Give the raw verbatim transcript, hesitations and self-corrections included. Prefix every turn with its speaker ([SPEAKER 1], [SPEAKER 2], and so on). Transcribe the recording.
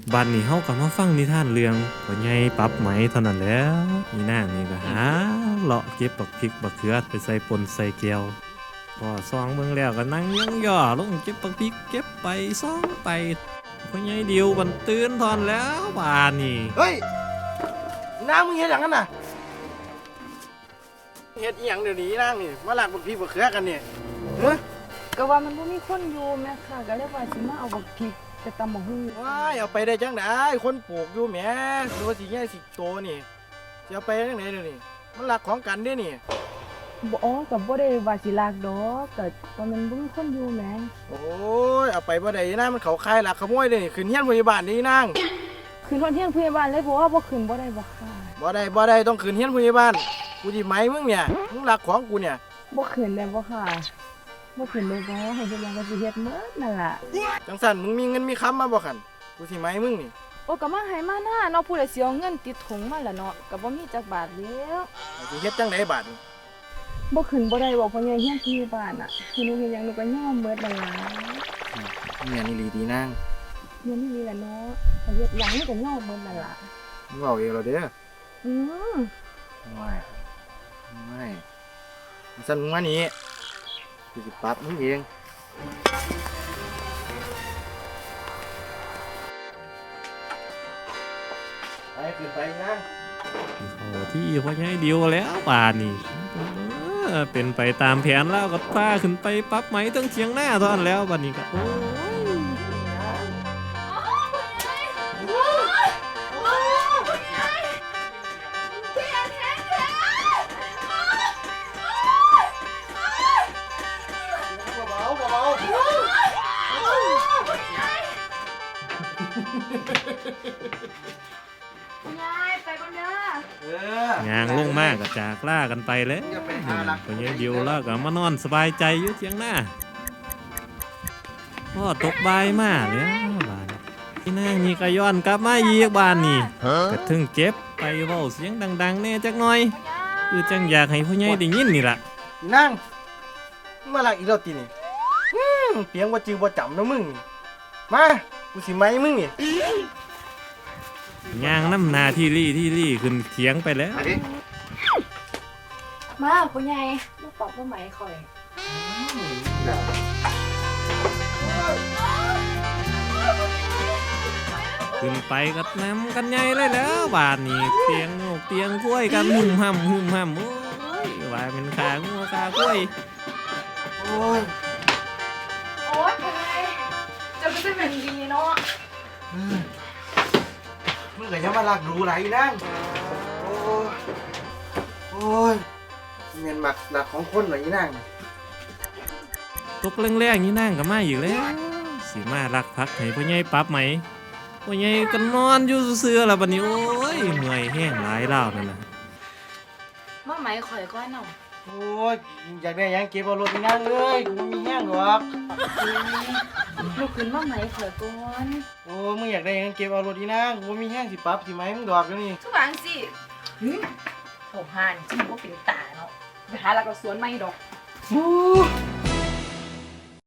[SPEAKER 1] บัดนี้เฮาก็มาฟังนิทานเรื่องพ่อใหญ่ปรับไหมเท่านั้นแหล้วอีนางนี่ก็หาเลาะเก็บบักพริกบักเขือไปใส่ปนใส่แก้วพอซองเบิ่งแล้วก็นั่งยังย่อลงเก็บบักพริกเก็บไปซองไปพ่อใหญ่เดียวบันตื่นทอนแล้วบาดนี้
[SPEAKER 2] เฮ้ยน้ามึงเฮ็ดหยังกันน่ะเฮ็ดอีหยังเดี๋ยวนี้นางนี่มาลากบักพี่บักเขือกันเนี่ยเฮ้ย
[SPEAKER 3] ก็ว่ามันบ่มีคนอยู่แม่ค่ะก็เลยว่าสิมาเอาบักพริกไปตำบักหุ่ง
[SPEAKER 2] ว้ายเอาไปได้จังได๋คนปลูกอยู่แหมดูว่าสิใหญ่สิโตนี่สิเอาไปจังได๋เดี๋ยวนี้มันลักของกันเด้นี่
[SPEAKER 3] บ่อ๋อก็บ่ได้ว่าสิลากดอกก็ว่ามันบ่มีคนอยู่แหม
[SPEAKER 2] โอ้ยเอาไปบ่ได้นะมันเขาคายลักขโมยเด้นี่ขึ้นเฮียนพยาบาลนี่นาง
[SPEAKER 3] ขึ้นฮอดเฮียนพยาบาลเลยบ่ว่าบ่ขึ้นบ่ได้บ่ค่ะ
[SPEAKER 2] บ่ได้บ่ได้ต้องขึ้นเฮียนพยาบาลกูสิไหมมึงเนี่ยมึงลักของกูเนี่ย
[SPEAKER 3] บ่ขึ้นได้บ่ค่ะบ่ขึ้นได้บ่ให้เฮ็ดหยังก็สิเฮ็ดหมดนั่นล่ะ
[SPEAKER 2] จังซั่นมึงมีเงินมีคำมาบ่คั่นกูสิไหมมึงนี่
[SPEAKER 3] โอ้ก็มาให้มาหน้าเนาะผู้ใดสิเอาเงินติดถุงมาล่ะเนาะก็บ่มีจักบาทแล้ว
[SPEAKER 2] สิเฮ็ดจังได๋บาดนี้
[SPEAKER 3] บ่ขึ้นบ่ได้บ่พ่อใหญ่เฮียนพยาบาลน่ะคือหนูเฮ็ดหยังหนูก็ยอมหมดนั่นล่ะ
[SPEAKER 2] แม่นี่ลีดีนาง
[SPEAKER 3] เงินนี่แหละเนาะเฮ็ดหยังมันก็ยอมหมดนั่นล่ะ
[SPEAKER 2] มึงเว้าเองแล้วเด้อ
[SPEAKER 3] อือ
[SPEAKER 2] ไม่ไม่สั่นมึงมานี่กูจะปรับมึงเองไปขึ้นไปนะ
[SPEAKER 1] โอ้ที่พ่อใหญ่เดียวแล้วบาดนี้เออเป็นไปตามแผนแล้วก็พาขึ้นไปปรับไหมตั้งเถียงหน้าตอนแล้วบัดนี้ก็โอ้ย
[SPEAKER 3] ยายไปก่อนเด้
[SPEAKER 1] งางลงมากก็จากล่ากันไปแล้วพ่อใหญ่เดียวแล้วก็มานอนสบายใจอยู่เถียงหน้าพ่อตกบ่ายมาแล้วบ้านที่นางนี่ก็ย้อนกลับมาอีกบ้านนี่ก็ถึงเจ็บไปเว้าเสียงดังๆแน่จักหน่อยคือจังอยากให้พ่อใหญ่ได้ยินนี่ล่ะ
[SPEAKER 2] นั่งมาลักอีกแล้วตีนี่เปียงว่าจือว่าจำนะมึงมากูสิไหมมึงนี่
[SPEAKER 1] ย่างน้ำนาที่รี่ที่รี่ขึ้นเถียงไปแล้ว
[SPEAKER 3] มาพ่อใหญ่มาปอกบ่ไหมข่อย
[SPEAKER 1] ขึ้นไปกับน้ำกันใหญ่เลยแล้วบาดนี้เตียงโงกเตียงกล้วยกันหุ่มห่ำหุ่มห่ำโอ้ยว่าเป็นขางัวขากล้วย
[SPEAKER 2] โอ้ย
[SPEAKER 3] โอ๊ยพ่อใหญ่จะไม่เป็นดีเนาะ
[SPEAKER 2] มึงก็ยังมาลักดูไรนั่งโอ้ยโอ้ยเมียนหมักหลักของคนหน่อยนั่ง
[SPEAKER 1] ตกแรงๆนี่นั่งก็มาอีกแล้วสีมารักพักให้พ่อใหญ่ปรับไหมพ่อใหญ่ก็นอนอยู่เสื้อแล้วบัดนี้โอ้ยเมื่อยแห้งหลายเล่านั่นน่ะ
[SPEAKER 3] มาไหมข่อยก้อนเนาะ
[SPEAKER 2] โอ้ยอยากได้ยังเก็บเอารถนี่นั่งเลยกูไม่มีแห้งหรอก
[SPEAKER 3] ลูกขึ้นมาไหมข่อยก้อน
[SPEAKER 2] โอ้มึงอยากได้ยังเก็บเอารถนี่นั่งกูมีแห้งสิปั๊บสิไหมมึงดอกแล้วนี่
[SPEAKER 3] ทุกอย่างสิโอ้ห่านจริงว่าเป็นตาเนาะไปหาหลักสวนไม่ดอก